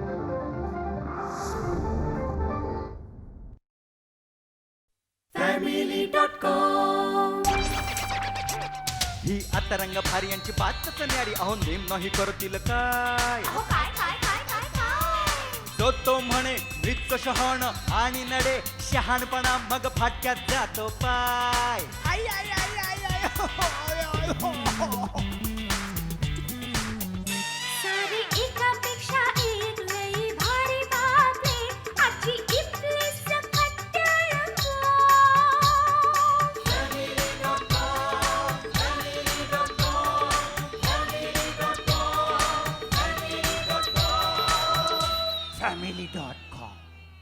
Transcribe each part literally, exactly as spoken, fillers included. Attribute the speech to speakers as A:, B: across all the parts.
A: ही आता रंग भारी यांची बातच न्यारी अहो नेम नाही करतील काय तो तो म्हणे मृत्यू शहाण आणि नडे शहाणपणा मग फाटक्यात जातो पाय आई, आई, आई, आई, आई, हो, हो, आय, आय, हो, हो, हो.
B: सारी एकापेक्षा एक लई भारी बातमी आजची इथली सकट रंगो.
A: Family dot com.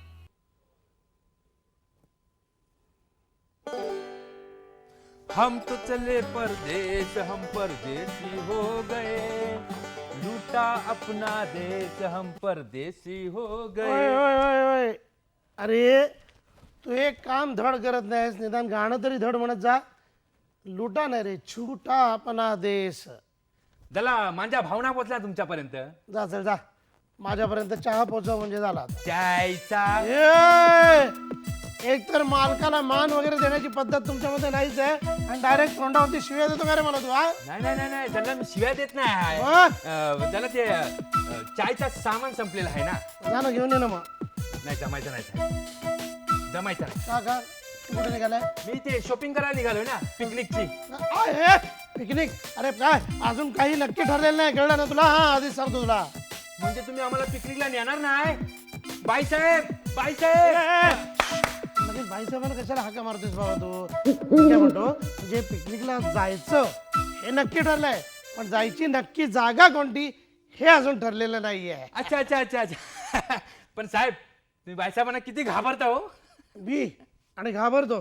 C: हम तो चले परदेश हम परदेसी हो गए लूटा अपना देश हम परदेसी हो
D: ओय,
C: गए.
D: ओय, ओय, ओय. अरे तू एक काम धड करत नाहीस निदान गाणं तरी धड म्हणत जा. लुटा नाही रे छुटा अपना देश.
C: त्याला माझ्या भावना पोचल्या तुमच्यापर्यंत.
D: जा चल जा माझ्यापर्यंत चहा पोचव म्हणजे झाला आता.
C: चायचा
D: ए, एक तर मालकाला मान वगैरे देण्याची पद्धत तुमच्यामध्ये नाहीच आहे आणि डायरेक्ट तोंडावरती शिव्या देतो का रे मला तू? हा
C: नाही नाही नाही नाही त्याला मी शिव्या देत नाही.
D: मग?
C: अं, त्याला ते अं, चायचा सामान संपलेलं आहे ना.
D: जा ना घेऊन ये ना मग.
C: नाही जमायचं नाही साहेब. जमायचं नाही.
D: का का तू कुठे निघालाय?
C: मी ते शॉपिंग करायला निघालोय ना पिकनिकची.
D: आय, हे पिकनिक? अरे काय अजून काही नक्की ठरलेलं नाही कळलं ना तुला? हा आधीच सांगतो तुला.
C: म्हणजे तुम्ही आम्हाला पिकनिकला नेणार नाही? बाईसाहेब बाईसाहेब
D: लगेच भाईसाहेबांना कशाला हाका मारतोस बाबा तू? मी काय म्हणतो जे पिकनिकला जायचं हे नक्की ठरलंय पण जायची नक्की जागा कोणती हे अजून ठरलेलं नाहीये.
C: अच्छा अच्छा अच्छा अच्छा. पण साहेब तुम्ही बाईसाहेबांना किती घाबरता हो.
D: मी आणि घाबरतो.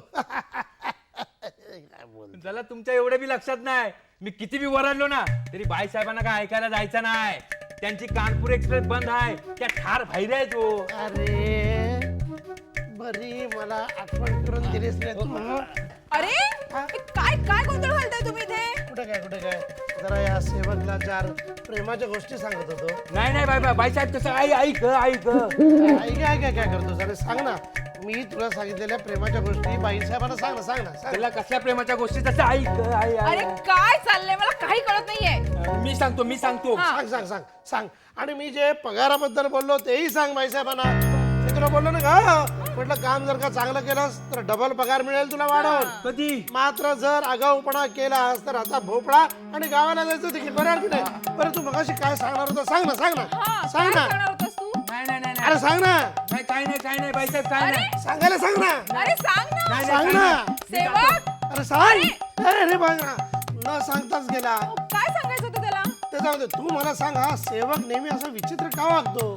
C: त्याला तुमच्या एवढे बी लक्षात नाही. मी किती बी वरडलो ना तरी बाईसाहेबांना काय ऐकायला जायचं नाही. त्यांची कानपूर एक्सप्रेस बंद आहे. त्या ठार बाहेर आहेत हो.
D: अरे बरी मला आठवण करून दिलीस रे तू.
E: अरे काय काय गोंधळ घालताय तुम्ही इथे?
D: कुठे काय कुठे काय जरा या सेवकला चार प्रेमाच्या गोष्टी सांगत होतो.
C: नाही नाही बाई बाईसाहेब कसं आई ऐक ऐक.
D: आई काय काय काय करतोस? अरे सांग ना. मी तुला सांगितलेल्या प्रेमाच्या गोष्टी बाईसाहेबांना सांग ना सांग ना सांग.
C: त्याला कसल्या प्रेमाच्या गोष्टी तसं ऐक आई
E: अरे काय चाललंय मला काही कळत नाहीये.
C: मी सांगतो मी सांगतो.
D: सांग सांग सांग सांग. आणि मी जे पगाराबद्दल बोललो तेही सांग बाईसाहेबांना. मी तुला बोललो ना का म्हटलं काम जर का चांगलं केलंस तर डबल पगार मिळेल तुला वाढवून.
C: कधी?
D: मात्र जर आगाऊपणा केलास तर आता भोपळा आणि गावाला जायचं तिकीट बरं की नाही? बरं तू मगाशी काय सांगणार होता सांग ना सांग ना
E: हा,
D: सांग
E: काय
D: ना.
E: करणार होतास तू?
C: नाही नाही नाही
D: अरे सांग ना.
C: नाही काय नाही काय नाही बाईसाहेब काय नाही.
E: अरे
D: सांगायला सांग ना.
E: अरे सांग ना.
C: नाही,
D: सांग
C: नाही,
D: ना.
E: सेवक
D: अरे सांग. अरे रे बघा न सांगताच गेला.
E: काय सांगायचं होतं त्याला?
D: ते जाऊ दे तू मला सांग हा सेवक नेहमी असा विचित्र का वागतो?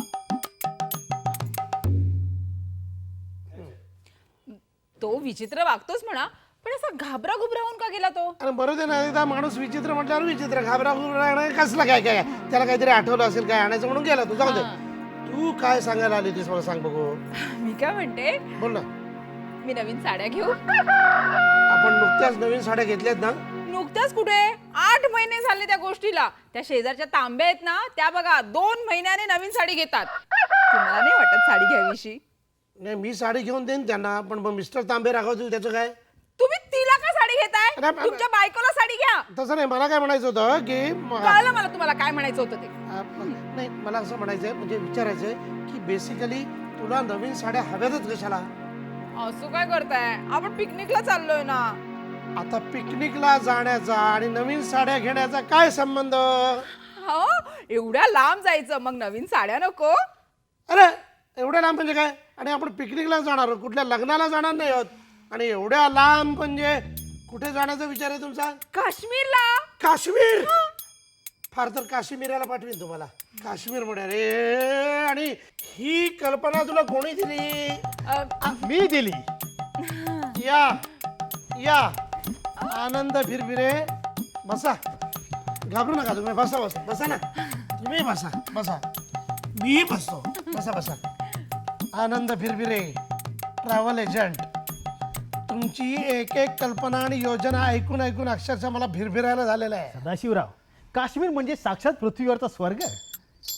E: तो विचित्र वागतोच म्हणा पण असा घाबरा घुबरा होऊन का गेला तो?
D: अरे बरोबर आहे ना. एकदा माणूस विचित्र म्हटल्यावर विचित्र घाबरा घुबरा कसला काय काय त्याला काहीतरी आठवलं असेल काय आणायचं म्हणून गेला तू. जाऊ दे तू काय सांगायला आली होतीस मला सांग बघू.
E: मी काय म्हणते
D: बोल ना.
E: मी नवीन साड्या घेऊ.
D: आपण नुकत्याच नवीन साड्या घेतल्यात ना.
E: नुकत्याच कुठे आठ महिने झाले त्या गोष्टीला. त्या शेजारच्या तांब्या आहेत ना त्या बघा दोन महिन्याने नवीन साडी घेतात. तुम्हाला नाही वाटत साडी घ्यावीशी?
D: नाही मी साडी घेऊन देईन त्यांना पण मग मिस्टर तांबे रागवतील त्याचं काय?
E: तुम्ही तिला का साडी घेताय?
D: अरे, अरे,
E: तुमच्या बायकोला साडी घ्या.
D: तसं नाही मला काय म्हणायचं होतं की म-
E: कळलं मला तुम्हाला काय म्हणायचं होतं ते.
D: आ, नाही मला असं म्हणायचंय म्हणजे विचारायचंय की बेसिकली तुला नवीन साड्या हव्यातच कशाला?
E: असं काय करताय? आपण पिकनिकला चाललोय ना.
D: आता पिकनिकला जाण्याचा आणि नवीन साड्या घेण्याचा काय संबंध?
E: हो एवढ्या लांब जायचं मग नवीन साड्या नको?
D: अरे एवढ्या लांब म्हणजे काय? आणि आपण पिकनिकला जाणार आहोत कुठल्या लग्नाला जाणार नाही आहोत. आणि एवढ्या लांब म्हणजे कुठे जाण्याचा विचार आहे तुमचा?
E: काश्मीरला.
D: काश्मीर? फार तर काश्मीराला पाठवीन तुम्हाला. काश्मीर म्हणे रे. आणि ही कल्पना तुला कोणी दिली?
E: अ,
D: मी दिली. या या आनंद फिरफिरे बसा. घाबरू नका तुम्ही. बसा बसा बसा ना तुम्ही बसा बसा. मी बसतो. बसा बसा. Anand Phirphire travel agent. तुमची एक एक कल्पना आणि योजना ऐकून ऐकून अक्षरशः मला फिरफिरायला झालेलं आहे.
F: सदाशिवराव काश्मीर म्हणजे साक्षात पृथ्वीवरचा स्वर्ग.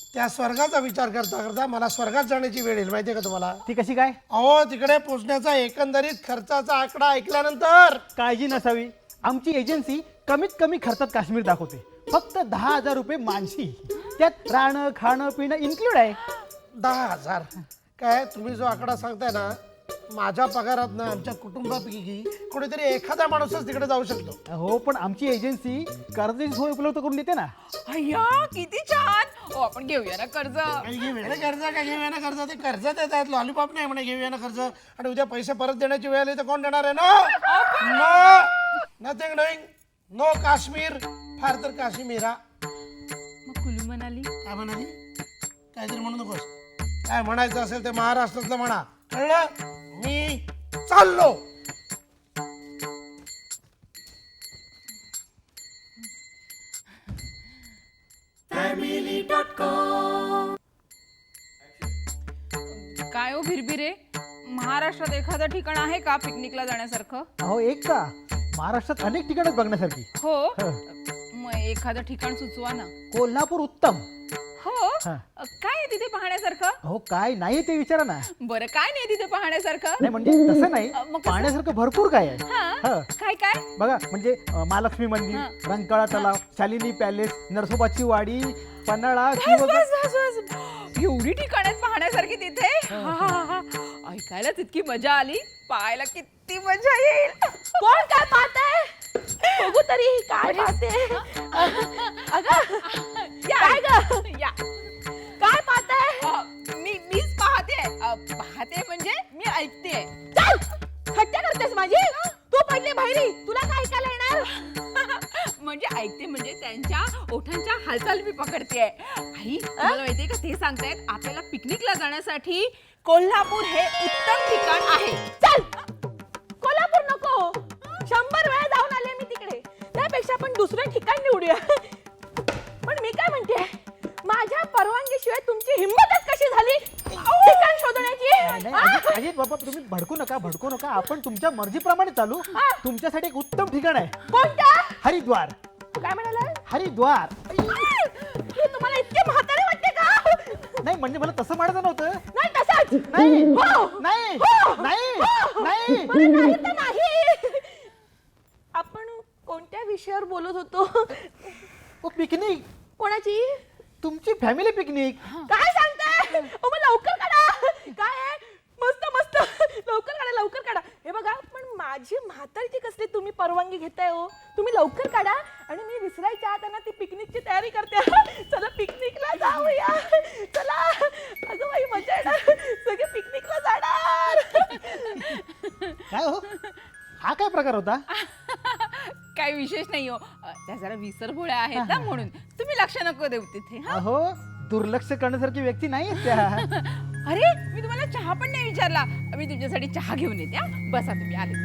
D: त्या स्वर्गाचा विचार करता करता मला स्वर्गात जाण्याची वेळ येईल माहितीये का तुम्हाला?
F: ती कशी काय?
D: अहो तिकडे पोहोचण्याचा एकंदरीत खर्चाचा आकडा ऐकल्यानंतर
F: काळजी नसावी, आमची एजन्सी कमीत कमी खर्चात काश्मीर दाखवते. फक्त दहा हजार रुपये मानसी, त्यात राहणं खाणं पिणं इन्क्लूड आहे.
D: दहा हजार काय तुम्ही जो आकडा सांगताय ना, माझ्या पगारात ना आमच्या कुटुंबापैकी कोणीतरी एखादा माणूसच तिकडे जाऊ शकतो.
F: हो, पण आमची एजन्सी कर्जाची सोय उपलब्ध करून देते ना.
E: अय्या किती छान. ओ आपण घेऊया ना कर्ज.
D: काही घेऊया ना कर्ज, काय घेऊया ना कर्ज? ते कर्ज देत आहेत, लॉलीपॉप नाही म्हणे घेऊया ना कर्ज. आणि उद्या पैसे परत देण्याची वेळ आली तर कोण देणार आहे? No no nothing doing, no Kashmir, फार तर काश्मीरा.
E: मग कुलू मनाली.
D: काय म्हणाली? काहीतरी म्हणू नकोस. काय म्हणायचं असेल ते महाराष्ट्रातलं म्हणा, कळलं? मी चाललो.
E: काय हो भिरभिरे, महाराष्ट्रात एखादं ठिकाण आहे का पिकनिकला जाण्यासारखं?
F: अहो एक का, महाराष्ट्रात अनेक ठिकाणं बघण्यासारखी.
E: हो.
F: हं.
E: मग एखादं ठिकाण सुचवा ना.
F: कोल्हापूर उत्तम.
E: हो.
F: हं.
E: काय आहे तिथे पाहण्यासारखं?
F: अहो काय नाही ते विचारा ना.
E: बरं काय नाही तिथे पाहण्यासारखं?
F: नाही म्हणजे तसं नाही,
E: अ, मग कसं?
F: पाहण्यासारखं भरपूर काय आहे.
E: हा.
F: हं.
E: काय काय?
F: बघा म्हणजे अ, महालक्ष्मी मंदिर,
E: हं.
F: रंकाळा तलाव, शालिनी पॅलेस, नरसोबाची वाडी, पन्हाळा,
E: बस,
F: शिवगड.
E: बस, बस, बस. एवढी ठिकाण आहेत पाहण्यासारखी तिथे. हा, हा, हा. ऐकायलाच इतकी मजा आली, पाहायला किती मजा येईल.
B: कोण काय पाहताय? बघू तरी काय पाहते.
E: काय ग? या.
B: काय पाहताय?
E: अ, मी मीच पाहते. अ, पाहते म्हणजे मी ऐकते.
B: चल हट्ट्या करतेस माझी. तू पडली बहिरी, तुला काय ऐकायला येणार?
E: म्हणजे ऐकते म्हणजे त्यांच्या ओठांच्या हालचाल मी पकडते. आई तुम्हाला माहितीये का, ते सांगतायत आपल्याला पिकनिकला जाण्यासाठी कोल्हापूर हे उत्तम ठिकाण आहे.
B: चल कोल्हापूर नको, शंभर वेळा जाऊन आले मी तिकडे. त्यापेक्षा आपण दुसरं ठिकाण निवडूया. पण मी काय म्हणते, माझ्या परवानगीशिवाय तुमची हिंमतच कशी झाली ठिकाण शोधण्याची?
F: नाही, अजित अजित बाबा तुम्ही भडकू नका भडकू नका, आपण तुमच्या मर्जीप्रमाणे चालू. तुमच्यासाठी एक उत्तम ठिकाण आहे.
B: कोणतं?
F: हरिद्वार.
B: काय म्हणाला?
F: हरिद्वार.
B: हे तुम्हाला इतके म्हातारे वाटते का?
F: नाही म्हणजे मला तसं म्हणायचं नव्हतं.
B: नाही तसंच
F: नाही
B: हो.
F: नाही
B: हो.
F: नाही
B: हो.
F: नाही.
B: बरं, नाही तर नाही. आपण कोणत्या विषयावर बोलत होतो?
F: ओ पिकनिक,
B: कोणाची?
F: तुमची फॅमिली पिकनिक.
B: काय सांगताय? ओ मग लवकर काढा. काय आहे? मस्त मस्त लवकर काढा लवकर काढा. हे बघा, पण माझी म्हातारीची कसली तुम्ही परवानगी घेताय हो? तुम्ही लवकर काढा. आणि मी विसरायच्या आत ना ती पिकनिकची तयारी करते. चला पिकनिकला जाऊया. चला अगं बाई मजा येणार, सगळे पिकनिकला जाणार.
F: काय हो, हा काय प्रकार होता?
E: काही विशेष नाही हो. अ, त्या जरा विसरभोळ्या आहेत ना, म्हणून तुम्ही लक्ष नको देऊ तिथे. हा?
F: अहो दुर्लक्ष करण्यासारखी व्यक्ती नाही आहेत त्या.
E: अरे मी तुम्हाला चहा पण नाही विचारला. मी तुमच्यासाठी चहा घेऊन येते. हा? बसा तुम्ही आले.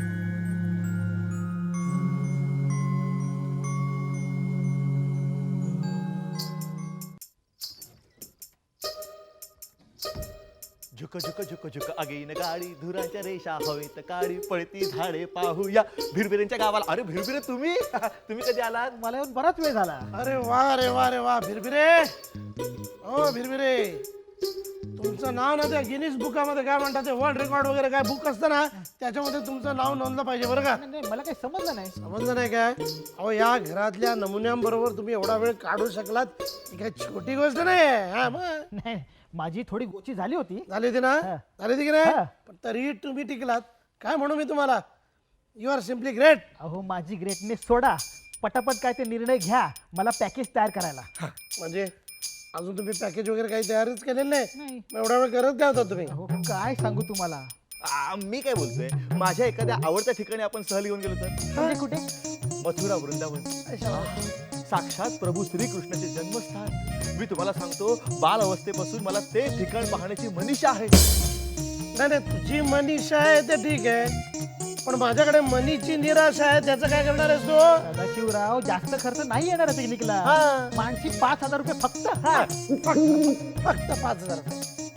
A: झुक झुक झुक झुक अगेन गाडी, धुराच्या रेषा हवेत काळी, पळती झाडे पाहूया भिरभिरेंच्या गावाला. अरे भिरभिरे तुम्ही तुम्ही कधी आलात?
F: मला येऊन बराच वेळ झाला.
D: अरे वा रे वा रे वा भिरभिरे. हो भिरभिरे, तुमचं नाव ना त्या गिनीज बुकामध्ये काय म्हणतात ते वर्ल्ड रेकॉर्ड वगैरे काय बुक असतं ना, त्याच्यामध्ये तुमचं नाव नोंदलं पाहिजे बरं का?
F: नाही, नाही, मला काही समजलं नाही.
D: समजलं नाही काय? अहो या घरातल्या नमुन्यांबरोबर तुम्ही एवढा वेळ काढू शकलात ही काय छोटी गोष्ट नाही. हा मग
F: नाही, माझी थोडी गोची झाली होती.
D: झाली होती ना?
F: हा.
D: झाली होती की नाही?
F: हा.
D: पण तरीही तुम्ही टिकलात. काय म्हणू मी तुम्हाला, यू आर सिम्पली ग्रेट.
F: अहो माझी ग्रेटनेस सोडा, पटापट काय ते निर्णय घ्या मला पॅकेज तयार करायला.
D: म्हणजे अजून तुम्ही पॅकेज वगैरे काही तयारीच केलेलं नाही?
F: नाही.
D: मग एवढा वेळ करत काय होता तुम्ही?
F: अहो काय सांगू तुम्हाला.
A: आ, मी काय बोलतोय, माझ्या एखाद्या आवडत्या ठिकाणी आपण सहल घेऊन गेलो तर?
F: म्हणजे कुठे?
A: मथुरा वृंदावन, साक्षात प्रभू श्रीकृष्णाचे जन्मस्थान. मी तुम्हाला सांगतो, बाल अवस्थेपासून मला ते ठिकाण पाहण्याची मनीषा आहे.
D: नाही नाही, तुझी मनीषा आहे ते ठीक आहे, पण माझ्याकडे मनीची निराशा आहे. त्याचं काय करणार आहेस तू?
F: सदाशिवराव जास्त खर्च नाही येणार पिकनिकला.
D: हा.
F: माणशी पाच हजार रुपये फक्त.
D: हा, फक्त फक्त पाच हजार रुपये.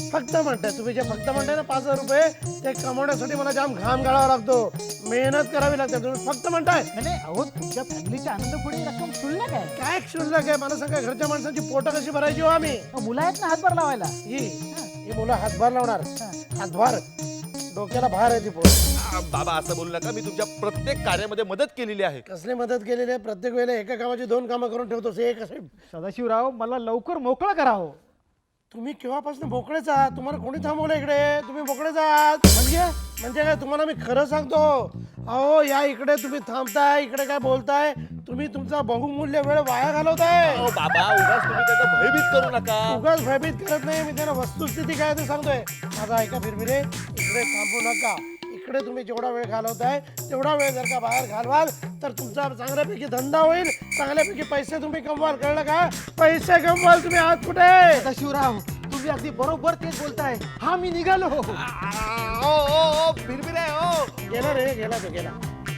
D: फक्त म्हणताय तुम्ही जे फक्त म्हणताय ना पाच हजार रुपये ते कमवण्यासाठी मला जाम घाम गाळावा लागतो, मेहनत करावी लागते. तुम्ही फक्त म्हणताय
F: नाही, नाही अहो तुमच्या फॅमिलीच्या आनंद पुढे रक्कम क्षुल्लक आहे.
D: काय क्षुल्लक आहे? मला सांगा घरच्या माणसांची पोटं कशी भरायची हो आम्ही?
F: अहो, मुलं आहेत ना हातभार लावायला.
D: ही ही मुलं हातभार लावणार, हातभार डोक्याला भार आहे ती पोट.
G: आ, बाबा असं बोलू नका, मी तुमच्या प्रत्येक कार्यामध्ये मदत केलेली आहे.
D: कसली मदत केलेली आहे? प्रत्येक वेळेला एका कामाची दोन कामं करून ठेवतोस, एक असे.
F: सदाशिवराव मला लवकर मोकळं करा हो.
D: तुम्ही केव्हापासून मोकळेच आहात? तुम्हाला कोणी थांबवलं इकडे? तुम्ही मोकळेच आहात म्हणजे म्हणजे काय? तुम्हाला मी खरं सांगतो, अहो या इकडे तुम्ही थांबताय, इकडे काय बोलताय, तुम्ही तुमचा बहुमूल्य वेळ वाया घालवताय.
G: अहो बाबा, उगाच तुम्ही त्याचा भयभीत करू नका.
D: उगाच भयभीत करत नाही मी, त्यांना वस्तुस्थिती काय ते सांगतोय. माझा ऐका फिरफिरे, इकडे थांबू नका. इकडे तुम्ही जेवढा वेळ घालवताय तेवढा वेळ जर का बाहेर घालवाल तर तुमचा चांगल्यापैकी धंदा होईल, चांगल्यापैकी पैसे तुम्ही कमवाल. कळलं का? पैसे कमवाल. तुम्ही आहात कुठे?
F: सदाशिवराव तुम्ही अगदी बरोबर तेच बोलताय. हा मी निघालो.
G: आ, ओ ओ ओ बिरबिरे ओ.
D: गेला रे, गेला तो गेला.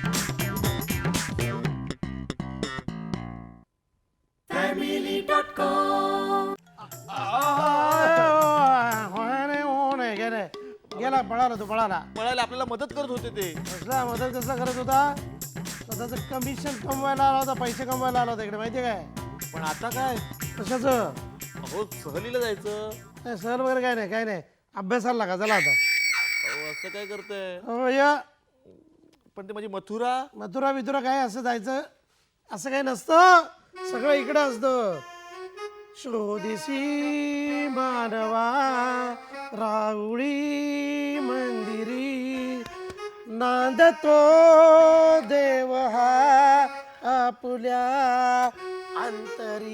D: गेला गेला पळाला तो पळाला.
G: पळायला आपल्याला मदत करत होते ते.
D: कसला मदत कसला करत होता? स्वतःचं कमिशन कमवायला आला होता, पैसे कमवायला आला होता इकडे, माहितीये काय?
G: पण आता काय?
D: कशाचं?
G: अहो सहलीला जायचं.
D: नाही सर वगैरे काय नाही, काय नाही. अभ्यासाला लागा चला आता.
G: अहो असं काय करताय?
D: हो या
G: पण ते माझी मथुरा.
D: मथुरा बिथुरा काय असं जायचं असं काही नसतं, सगळं इकडं असतं. शोधिसी मानवा राऊळी मंदिरी, नांदतो देव हा आपुल्या अंतरी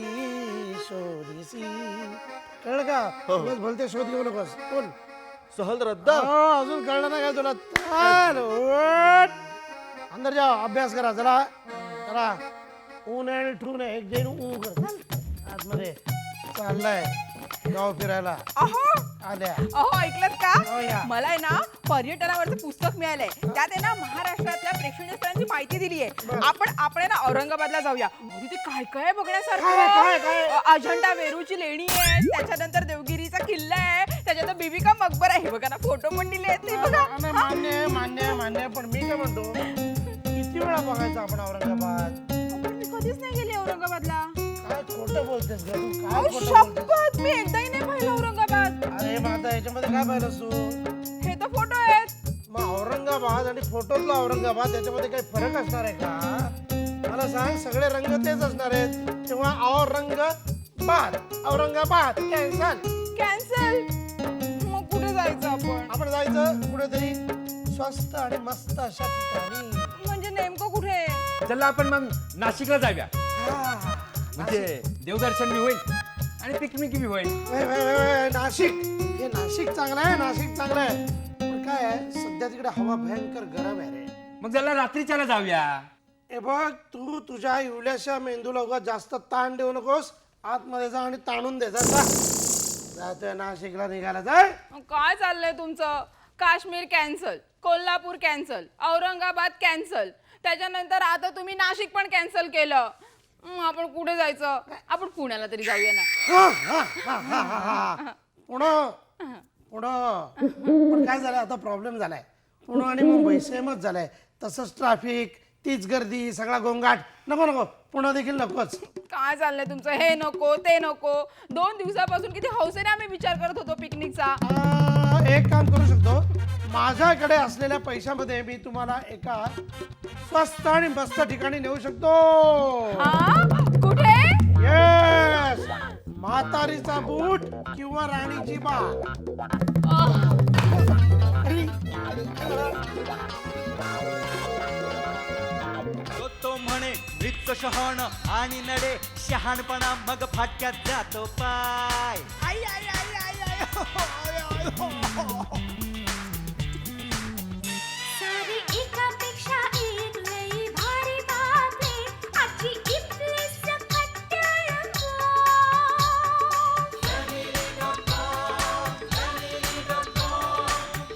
D: शोधिसी. कळलं का? बस बोलते शोध घेऊ नकोस. बोल.
G: सहल रद्द.
D: हो, अजून कळलं ना काय तुला? चाल, उठ. अंदर जाओ, अभ्यास करा. चला चला. ऊन आहे ठून आहे, एक जैन ऊ कर. आतमध्ये चाललाय गाव फिरायला.
E: अहो
D: आल्या.
E: अहो ऐकलत
D: हो या.
E: का? मला आहे ना पर्यटनावरचं पुस्तक मिळालंय. त्यात आहे ना महाराष्ट्रातल्या प्रेक्षणीय स्थळांची माहिती दिली आहे. आपण आपण आहे ना औरंगाबादला जाऊया. अहो, तिथे काय काय आहे बघण्यासारखं.
D: काय, काय, काय?
E: अ, अजंठा वेरूळची लेणी आहे, त्याच्यानंतर देवगिरीचा किल्ला आहे, त्याच्यानंतर बीबी का मकबरा आहे. हे बघा ना, फोटो पण दिले आहेत ते बघा.
D: नाही, मान्य आहे, मान्य आहे, मान्य आहे. पण मी काय म्हणतो, किती वेळा बघायचं आपण औरंगाबाद?
E: पण मी कधीच नाही गेले औरंगाबादला.
D: काय खोटं बोलतेस ग तू? काय
E: अहो,
D: खोटं बोलतेस?
E: शपथ मी एकदाही नाही पाहिलं औरंगाबाद.
D: अरे मग आता याच्यामध्ये काय पाहिलंस तू?
E: हे तर फोटो आहेत.
D: मग औरंगाबाद आणि फोटोतला औरंगाबाद याच्यामध्ये काही फरक असणार आहे का? मला सांग, सगळे रंग तेच असणार आहेत. तेव्हा औरंगाबाद औरंगाबाद कॅन्सल.
E: कॅन्सल. मग कुठे जायचं आपण?
D: आपण जायचं कुठेतरी स्वस्त आणि मस्त अशा ठिकाणी.
E: म्हणजे नेमकं कुठे?
C: चला आपण मग नाशिकला जाऊया.
D: हा.
C: म्हणजे देवदर्शन बी होईल आणि पिकनिक बी होईल.
D: वय, वय, वय, वय, नाशिक. हे नाशिक चांगलं आहे, नाशिक चांगलं आहे. पण काय आहे, सध्या तिकडे हवा भयंकर गरम आहे रे.
C: मग चला रात्रीच्याला जाऊया.
D: हे बघ, तू तुझ्या इवल्याशा मेंदूला उगाच जास्त ताण देऊ नकोस. आतमध्ये जा आणि ताणून दे. जा जा. जातोय नाशिकला निघाला. जाय.
E: काय चाललंय तुमचं? Kashmir cancel, Kolhapur cancel, Aurangabad cancel, त्याच्यानंतर आता तुम्ही नाशिक पण कॅन्सल केलं. हं, आपण कुठे जायचं? आपण पुण्याला तरी जाऊया ना.
D: हा, हा, हा, हा, हा, हा. पुणं पुणं पण काय झालंय आता? प्रॉब्लेम झालाय. पुणे आणि मुंबई सेमच झालंय. तसंच ट्रॅफिक, तीच गर्दी, सगळा गोंगाट. नको नको, पुणे देखील नकोच.
E: काय चाललंय तुमचं? हे नको ते नको. दोन दिवसापासून किती हौसेने आम्ही विचार करत होतो पिकनिकचा.
D: आ, एक काम करू शकतो. माझ्याकडे असलेल्या पैशामध्ये मी तुम्हाला एका स्वस्त आणि मस्त ठिकाणी नेऊ शकतो.
E: हा? कुठे?
D: येस, म्हातारीचा बूट किंवा राणीची बाग.
A: तो तो म्हणे वृत्त शहाण आणि नडे शहाणपणा मग फाटक्यात जातो पाय. आई, आई, आई, आई, आई, हो, आय, आय, हो, हो.
H: सारी एकापेक्षा एक लई भारी बातमी आजची इथली सकट रंगो.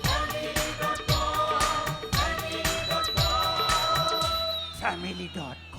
A: Family dot